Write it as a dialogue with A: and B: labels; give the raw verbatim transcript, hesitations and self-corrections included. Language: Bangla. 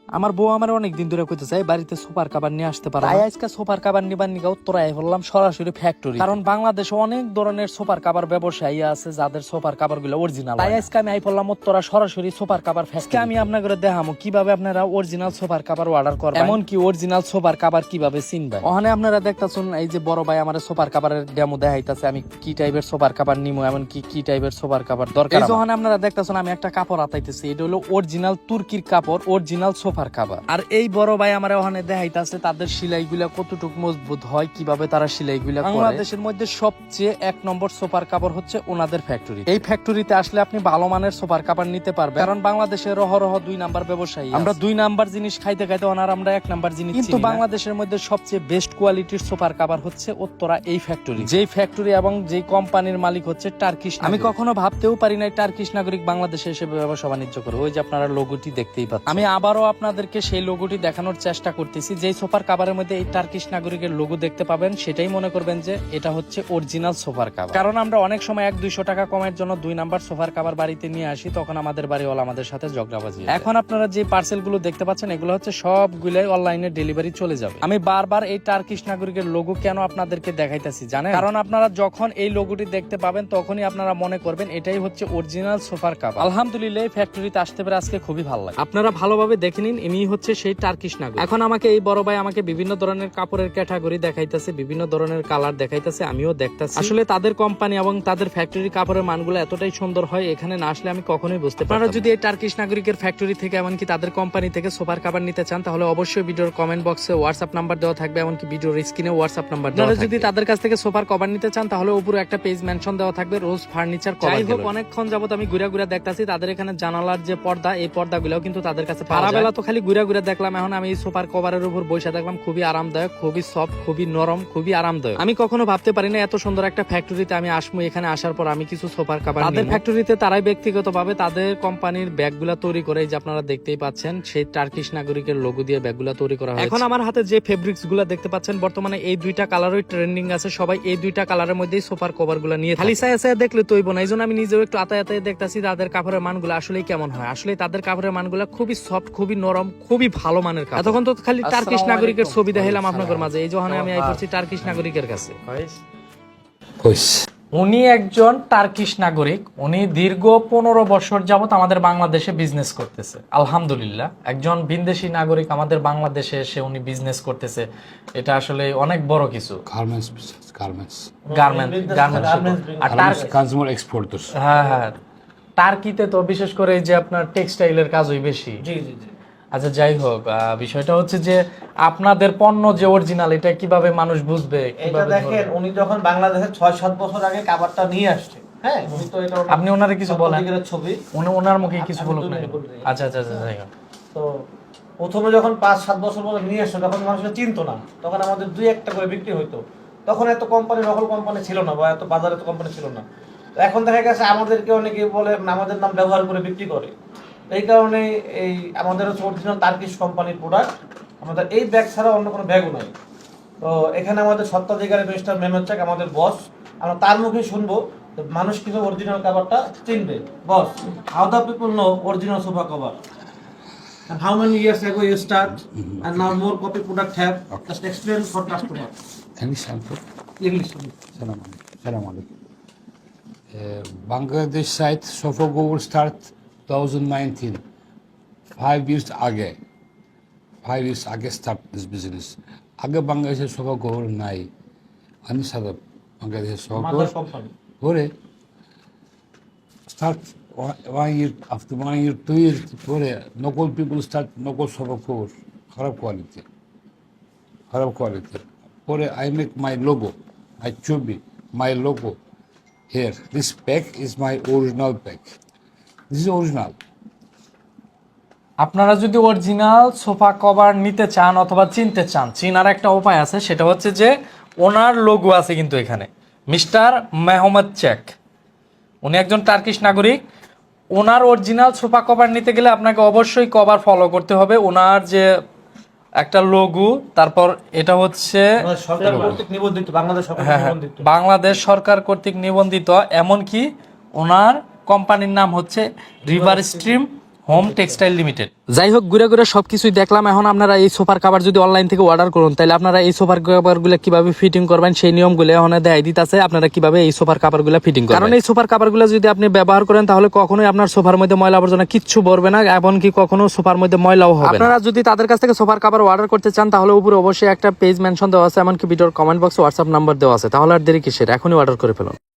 A: আমার বউ আমার অনেকদিন ধরে কইতেছে বাড়িতে সোফার কাভার নিয়ে আসতে পারে, তাই আজকে সোফার কাভার নিবার নিগা উত্তরায় বললাম সরাসরি ফ্যাক্টরি, কারণ বাংলাদেশে অনেক ধরনের সোফার কাভার ব্যবসায়ী আছে যাদের সোফার কাভার গুলো অরিজিনাল। তাই আজকে আমি আই বললাম উত্তরা সরাসরি সোফার কাভার ফ্যাক্টরি। আমি আপনাদের দেখামো কিভাবে আপনারা অরিজিনাল সোফার কাভার অর্ডার করবেন, এমন কি অরিজিনাল সোফার কাভার কিভাবে চিনবেন। ওখানে আপনারা দেখতাছেন এই যে বড় ভাই আমার সোফার কাভারের ডেমো দেখাইতাছে, আমি কি টাইপের সোফার কাভার নিমু, এমন কি কি টাইপের সোফার কাভার দরকার। এই যখন আপনারা দেখতাছেন আমি একটা কাপড় আতাইতেছি, এটা হলো অরিজিনাল তুর্কির কাপড়, অরিজিনাল সোফার কাভার। আর এই বড় ভাই আমার ওখানে দেখাইতাছে তাদের সেলাইগুলা কতটুকু মজবুত হয়, কিভাবে তারা সেলাইগুলা করে। বাংলাদেশের মধ্যে সবচেয়ে এক নম্বর সোফার কাভার হচ্ছে ওনাদের ফ্যাক্টরি। এই ফ্যাক্টরিতে আসলে আপনি ভালো মানের সোফার কাভার নিতে পারবেন, কারণ বাংলাদেশের রহ রহ দুই নাম্বার ব্যবসায়ী, আমরা দুই নাম্বার জিনিস খাইতে খাইতে ওনার আমরা এক নাম্বার জিনিস। কিন্তু বাংলাদেশের মধ্যে সবচেয়ে বেস্ট কোয়ালিটির সোফার কাভার হচ্ছে উত্তরা এই ফ্যাক্টরি, যেই ফ্যাক্টরি এবং যেই কোম্পানির মালিক হচ্ছে টার্কিশ। আমি কখনো ভাবতেও পারি নাই টার্কিশ নাগরিক বাংলাদেশে এসে ব্যবসা বাণিজ্য করে। ওই যে আপনারা লোগোটি দেখতেই পাচ্ছেন, আমি আবারও আপনাদেরকে সেই লোগোটি দেখানোর চেষ্টা করতেছি। যেই সোফার কাভারের মধ্যে এই টার্কিশ নাগরিকের লোগো দেখতে পাবেন, সেটাই মনে করবেন যে এটা হচ্ছে অরিজিনাল সোফার কাভার। কারণ আমরা অনেক সময় এক দুইশো টাকা কমের জন্য দুই নাম্বার সোফার কাভার বাড়িতে নিয়ে আসি, তখন আমাদের বাড়িওয়ালা আমাদের সাথে ঝগড়াবাজি। এখন আপনারা যে পার্সেল গুলো দেখতে পাচ্ছেন, এগুলো হচ্ছে সবগুলাই অনলাইনে ডেলিভারি চলে যাবে। আমি বারবার এই টার্কিশ নাগরিকের লোগো কেন আপনাদেরকে দেখাইতেছি জানেন? কারণ আপনারা যখন এই লোগোটি দেখতে পাবেন তখনই আপনারা মনে করবেন এটাই হচ্ছে অরিজিনাল সোফার কাভার। আলহামদুলিল্লাহ এই ফ্যাক্টরিতে আসতে পেরে আজকে খুবই ভালো লাগে। আপনারা ভালোভাবে দেখে নিন, ইনি হচ্ছে সেই টার্কিশ নাগরিক। এখন আমাকে এই বড় ভাই আমাকে বিভিন্ন ধরনের কাপড়ের ক্যাটাগরি দেখাইতেছে, বিভিন্ন ধরনের কালার দেখাইতেছে, আমিও দেখতেছি। আসলে তাদের কোম্পানি এবং তাদের ফ্যাক্টরি কাপড়ের মানগুলো এতটাই সুন্দর হয়, এখানে না আসলে আমি কখনোই বুঝতে পারি না। আপনারা যদি এই টার্কিশ নাগরিকের ফ্যাক্টরি থেকে এমনকি তাদের কোম্পানি থেকে সোফার কাভার নিতে চান, তাহলে অবশ্যই ভিডিওর কমেন্ট বক্সে হোয়াটসঅ্যাপ নাম্বার দেওয়া থাকবে, এমনকি ভিডিওর স্ক্রিনে হোয়াটসঅ্যাপ নাম্বার দেওয়া থাকবে। যদি তাদের কাছ থেকে সোফার কভার নিতে চান, তাহলে উপরে একটা পেজ মেনশন দেওয়া থাকবে, রোজ ফার্নিচার কভার। যাই হোক, অনেকক্ষণ যাবত আমি ঘুরে ঘুরে দেখতাছি তাদের এখানে জানালার যে পর্দা, এই পর্দাগুলোও কিন্তু তাদের কাছে পাওয়া যায়। বেলা তো খালি ঘুরে ঘুরে দেখলাম, এখন আমি এই সোফার কভারের উপর বসে দেখলাম, খুবই আরামদায়ক, খুবই সফট, খুবই নরম, খুবই আরামদায়ক। আমি কখনো ভাবতে পারি না এত সুন্দর একটা ফ্যাক্টরিতে আমি আসবো। এখানে আসার পর আমি কিছু সোফার কভার, তাদের ফ্যাক্টরিতে তারাই ব্যক্তিগতভাবে তাদের কোম্পানির ব্যাগগুলা তৈরি করে, এই যে আপনারা দেখতেই পাচ্ছেন সেই টার্কিশ নাগরিকের লোগো দিয়ে ব্যাগগুলা তৈরি করা হয়। এখন আমার হাতে যে ফেব্রিক্স গুলা দেখতে পাচ্ছেন, বর্তমানে এই দুইটা কালারই ট্রেন্ডিং আছে, সবাই এই দুইটা কালারের মধ্যেই সোফার কভার গুলা নিয়ে খালি সায়া সায়া দেখলে তৈব না। এই জন্য আমি নিজেও একটু আতায় আতায় দেখতেছি তাদের কাপড়ের মানগুলো আসলেই কেমন হয়। আসলে তাদের কাপড়ের মানগুলো খুবই সফট, খুবই নরম, খুবই ভালো মানের কাপড়। এতক্ষণ তো খালি টার্কিশ নাগরিকের ছবি দেখাইলাম আপনাদের মাঝে, এই যখন আমি আই করছি টার্কিশ নাগরিকের কাছে। উনি একজন টার্কিশ নাগরিক, উনি দীর্ঘ পনেরো বছর যাবত আমাদের বাংলাদেশে বিজনেস করতেছে। আলহামদুলিল্লাহ, একজন বিদেশি নাগরিক আমাদের বাংলাদেশে এসে উনি বিজনেস করতেছে, এটা আসলে অনেক বড় কিছু।
B: Garments business, garments
A: garment garments আর টার্কি
B: কনজিউমার এক্সপোর্টার্স।
A: হ্যাঁ হ্যাঁ, টার্কিতে তো বিশেষ করে এই যে আপনার টেক্সটাইলের কাজই বেশি।
C: জি জি জি।
A: আচ্ছা, যাই হোক, বিষয়টা হচ্ছে যে আপনাদের পণ্য যে অরিজিনাল, এটা কিভাবে মানুষ বুঝবে?
C: এটা দেখেন, উনি যখন বাংলাদেশে ছয় সাত বছর আগে কাভারটা নিয়ে আসছে, হ্যাঁ, উনি তো এটা
A: আপনি ওনারে কিছু বলেন,
C: ছবি
A: উনি ওনার মুখে কিছু বলুক না। আচ্ছা আচ্ছা আচ্ছা, যাই হোক।
C: তো প্রথমে যখন পাঁচ সাত বছর পরে নিয়ে আসছে, তখন মানুষের চিনতো না, তখন আমাদের দুই একটা করে বিক্রি হইতো। তখন এত কোম্পানি, নকল কোম্পানি ছিল না, বা এত বাজারে এত কোম্পানি ছিল না। তো এখন দেখা গেছে আমাদেরকে অনেকে বলে আমাদের নাম ব্যবহার করে বিক্রি করে। এই কারণে এই আমাদের হচ্ছে অরিজিনাল টার্কিশ কোম্পানির প্রোডাক্ট, আমাদের এই ব্যাগ ছাড়া অন্য কোনো ব্যাগও নাই। তো এখানে আমাদের সত্ত্বাধিকারী মিস্টার মেমনচাক আমাদের বস, আমরা তার মুখে শুনবো মানুষ কিভাবে অরিজিনাল কভারটা চিনবে। Boss, how the people know original sofa cover and how many years ago you start mm-hmm. and now more copy product have okay. Just explain for customer.
B: English sample.
C: English.
B: Salam alaikum. Salam alaikum. Uh, Bangladesh site sofa cover start twenty nineteen. Five years ago. Five years ago start this business. Aগে বাংলাদেশের সোফা কভার নাই। আমি সাদা বাংলাদেশের সোফা কভার করে start one year, after one year, two years পরে নকল people start নকল সোফা কভার, খারাপ কোয়ালিটি, খারাপ কোয়ালিটি। পরে I make my logo, my ছবি, my logo here. This pack is my original pack. This is original.
A: আপনারা যদি অরিজিনাল সোফা কভার নিতে চান অথবা চিনতে চান, চিনার একটা উপায় আছে, সেটা হচ্ছে যে ওনার লোগো আছে কিন্তু এখানে, মিস্টার মেহমেদচাক। উনি একজন টার্কিশ নাগরিক। ওনার অরিজিনাল সোফা কভার নিতে গেলে আপনাকে অবশ্যই কভার ফলো করতে হবে। ওনার যে একটা লোগো, তারপর এটা হচ্ছে
C: সরকার কর্তৃক নিবন্ধিত, বাংলাদেশ সরকার নিবন্ধিত,
A: বাংলাদেশ সরকার কর্তৃক নিবন্ধিত, এমনকি ওনার কোম্পানির নাম হচ্ছে River Stream Home Textile Limited. যাই হোক, ঘুরে ঘুরে সবকিছুই দেখলাম। এখন আপনারা এই সোফার কাভার যদি অনলাইন থেকে অর্ডার করুন, তাহলে আপনারা এই সোফার কাভার গুলো কিভাবে ফিটিং করবেন সেই নিয়মগুলো এখন দেখাই দিতেছে আপনারা কিভাবে এই সোফার কাভার গুলো ফিটিং করবেন। কারণ এই সোফার কাভার গুলো যদি আপনি ব্যবহার করেন তাহলে কখনোই আপনার সোফার মধ্যে ময়লা আবর্জনা কিচ্ছু ভরবে না, এমনকি কখনো সোফার মধ্যে ময়লাও হবে না। আপনারা যদি তাদের কাছ থেকে সোফার কাভার অর্ডার করতে চান তাহলে উপরে অবশ্যই একটা পেজ মেনশন দেওয়া আছে, এমনকি ভিডিওর কমেন্ট বক্সে হোয়াটসঅ্যাপ নাম্বার দেওয়া আছে। তাহলে আর দেরি কিসের, এখনই অর্ডার করে ফেলুন।